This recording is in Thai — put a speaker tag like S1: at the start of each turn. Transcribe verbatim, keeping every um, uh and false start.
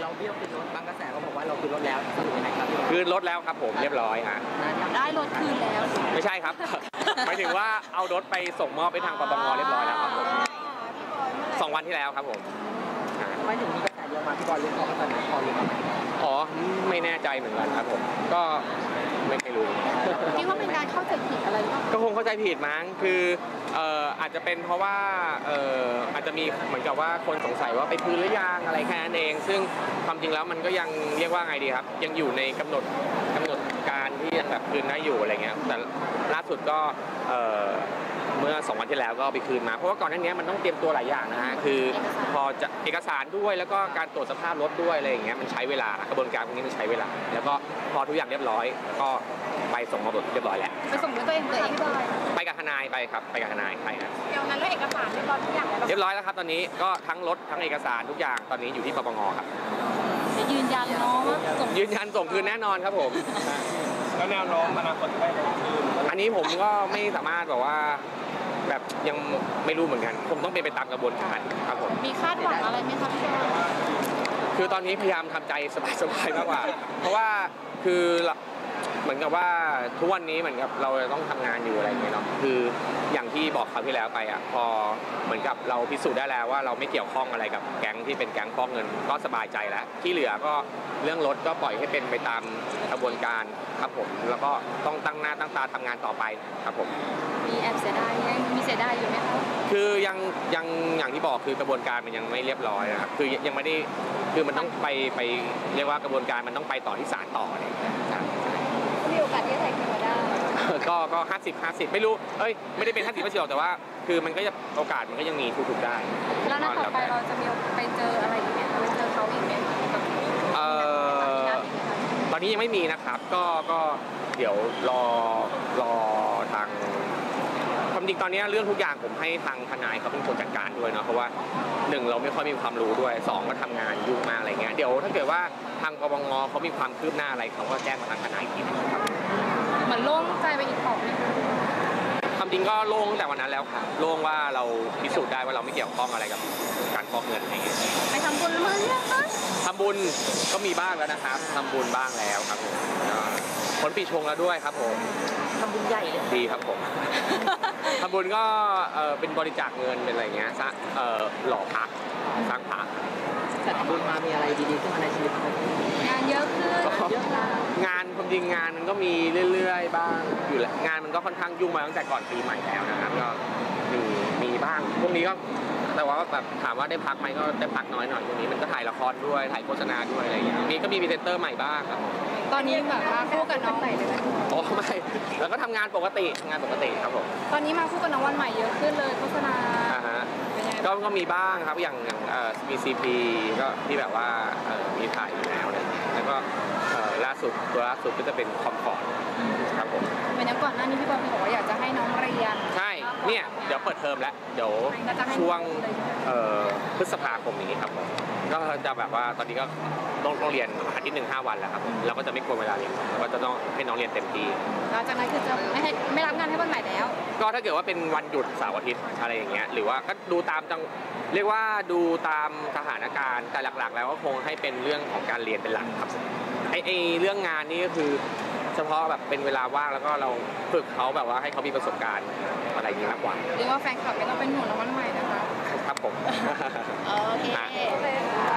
S1: เราเบี้ยวคืนรถบางกระแสเขาบอกว่าเราคืนรถแล้วสรุปยังไงครับ
S2: คืนรถแล้วครับผมเรียบร้อยฮะ
S3: ได้รถคืนแล้ว
S2: ไม่ใช่ครับหมายถึงว่าเอารถไปส่งมอบไปทางปปงเรียบร้อยแล้วครับผมสองวันที่แล้วครับผม
S1: ไม่ถึงมีกระแสเยอะมาพี่บอลรู้เขาก็ตอนนี้พอรู้ไหม
S2: อ๋อไม่แน่ใจเหมือนกันครับผมก็ไม่เคยรู้
S3: คิดว่าเป็นการเข้าใจผิดอะไรหรือเปล่า
S2: ก็คงเข้าใจผิดมั้งคือเอ่ออาจจะเป็นเพราะว่าเอ่ออาจจะมีเหมือนกับว่าคนสงสัยว่าไปคืนหรือยังอะไรแค่นั้นเองซึ่งความจริงแล้วมันก็ยังเรียกว่าไงดีครับยังอยู่ในกำหนดกำหนดการที่ยังแบบคืนได้อยู่อะไรเงี้ยแต่ล่าสุดก็เอ่อเมื่อสองวันที่แล้วก็ไปคืนมาเพราะว่าก่อนหน้านี้มันต้องเตรียมตัวหลายอย่างนะฮะคือพอจะเอกสารด้วยแล้วก็การตรวจสภาพรถด้วยอะไรอย่างเงี้ยมันใช้เวลากระบวนการพวกนี้มันใช้เวลาแล้วก็พอทุกอย่างเรียบร้อยก็ไปส่งมอบเรียบร้อยแล้ว
S3: ไปส่งด้วยตัวเองตัวเองด้วย
S2: ไปกับทนายไปครับไปกับทนายไปครับ
S3: เดี๋ยวนั้นแล้วเอกสารเรียบร้อยทุกอย่างแล้ว
S2: เรียบร้อยแล้วครับตอนนี้ก็ทั้งรถทั้งเอกสารทุกอย่างตอนนี้อยู่ที่ปปงครับ
S3: จะยืนยันเนาะ
S2: ยืนยันส่งคืนแน่นอนครับผม
S1: แล้วแนวโน้มอนาคตจะได้ลงคืน
S2: อันนี้ผมก็ไม่สามารถบอกว่าแบบยังไม่รู้เหมือนกันผมต้องเป็นไปตามกระบวนการครับผม
S3: มีคาดหวังอะไรไหมครับพี่
S2: คือตอนนี้พยายามทำใจสบายๆมากกว่าเพราะว่าคือเหมือนกับว่าทุกวันนี้เหมือนกับเราต้องทำงานอยู่อะไรอย่างเงี้ยเนาะคืออย่างที่บอกคราวที่แล้วไปอ่ะพอเหมือนกับเราพิสูจน์ได้แล้วว่าเราไม่เกี่ยวข้องอะไรกับแก๊งที่เป็นแก๊งฟอกเงินก็สบายใจแล้วที่เหลือก็เรื่องรถก็ปล่อยให้เป็นไปตามกระบวนการครับผมแล้วก็ต้องตั้งหน้าตั้งตาทำงานต่อไปครับผม
S3: มีแอบเสียดายยังมีเสียดายอยู่ไหมครับ
S2: คือยังยังอย่างที่บอกคือกระบวนการมันยังไม่เรียบร้อยนะครับคือยังไม่ได้คือมันต้องไปไปเรียกว่ากระบวนการมันต้องไปต่อที่ศาลต่ออะไรอย่างเงี้ย
S3: มีโอกาสที่จะไถ่คืนมาได้
S2: ก็ก็ห้าสิบห้าสิบไม่รู้เอ้ยไม่ได้เป็นห้าสิบห้าสิบหรอกแต่ว่าคือมันก็จะโอกาสมันก็ยังมีทุกๆได้
S3: แล้วนัดต่อไปเราจะมีไปเจออะไรอีกไหมไปเจอเขาอีกไหม
S2: เอ่อตอนนี้ยังไม่มีนะครับก็ก็เดี๋ยวรอรอทางความจริงตอนนี้เรื่องทุกอย่างผมให้ทางทนายเขาเป็นคนจัดการด้วยเนาะเพราะว่าหนึ่งเราไม่ค่อยมีความรู้ด้วยสองก็ทำงานยุ่งมากอะไรเงี้ยเดี๋ยวถ้าเกิดว่าทางปปงเขามีความคืบหน้าอะไรเขาก็แจ้งมาทางทนายอีกทีนะครับ
S3: เหมือนโล่งใจไปอีกของนึง
S2: ความจริงก็โล่งแต่วันนั้นแล้วค่ะโล่งว่าเราพิสูจน์ได้ว่าเราไม่เกี่ยวข้องอะไรกับการฟอกเงินอะไรเงี้ย
S3: ไปทำบุญมาหรือยังคะ
S2: ทำบุญก็มีบ้างแล้วนะครับทำบุญบ้างแล้วครับผมผลปีชงแล้วด้วยครับผม
S3: ทำบุญใหญ่เลย
S2: ดีครับผมทำบุญก็เป็นบริจาคเงินเป็นอะไรเงี้ยซะหล่อพระสร้างพระ
S1: แต่ทำบุญมามีอะไรดีๆขึ้นมาในชีวิต
S3: งานเยอะขึ้น
S2: งานความจริงงานมันก็มีเรื่อยๆบ้างอยู่แหละงานมันก็ค่อนข้างยุ่งมาตั้งแต่ก่อนปีใหม่แล้วนะครับก็มีมีบ้างพวกนี้ก็แต่ว่าแบบถามว่าได้พักไหมก็ได้พักน้อยหน่อยพวกนี้มันก็ถ่ายละครด้วยถ่ายโฆษณาด้วยอะไรอย่างเงี้ยมีก็มีพรีเซนเตอร์ใหม่บ้างครับ
S3: ตอนนี้แบบว่าคู่กับน้องใหม่เลยไหม
S2: อ๋อไม่แล้วก็ทำงานปกติงานปกติครับผม
S3: ตอนนี้มาคู่กับน้องวันใหม่เยอะขึ้นเลยโฆษณา
S2: อ่าฮะก็ก็มีบ้างครับอย่างอย่างเอ่อมีซีพีก็ที่แบบว่าเอ่อมีถ่ายอยู่แล้วเลยแล้วก็เอ่อล่าสุดตัวล่าสุดก็จะเป็นคอมฟอร์ตครับผม
S3: เป็นอย่างก่อนหน้านี้พี่บอลบอกว่าอยากจะให้น้องเรียน
S2: ใช่เนี่ยเดี๋ยวเปิดเทอมแล้วเดี๋ยวช่วงเอ่อพฤษภาคมนี้ครับผมก็จะแบบว่าตอนนี้ก็ต้องต้องเรียนอาทิตย์หนึ่งห้าวันแล้วครับเราก็จะไม่ควรเวลาเรียนเราก็จะต้องให้น้องเรียนเต็มที่
S3: หลังจากนั้นคือจะไม่ให้ไม่รับงานให้วันใหม่แล้ว
S2: ก็ถ้าเกิดว่าเป็นวันหยุดเสาร์อาทิตย์อะไรอย่างเงี้ยหรือว่าก็ดูตามจังเรียกว่าดูตามสถานการณ์แต่หลักๆแล้วก็คงให้เป็นเรื่องของการเรียนเป็นหลักครับไอไอเรื่องงานนี่ก็คือเฉพาะแบบเป็นเวลาว่างแล้วก็เราฝึกเขาแบบว่าให้เขามีประสบการณ์อะไรอย่างนี้มากกว่า
S3: เรียกว่าแฟนคลับไม่ต้องเป็นห่วงน้องวันใหม่นะคะ
S2: ครับผม
S3: โอเค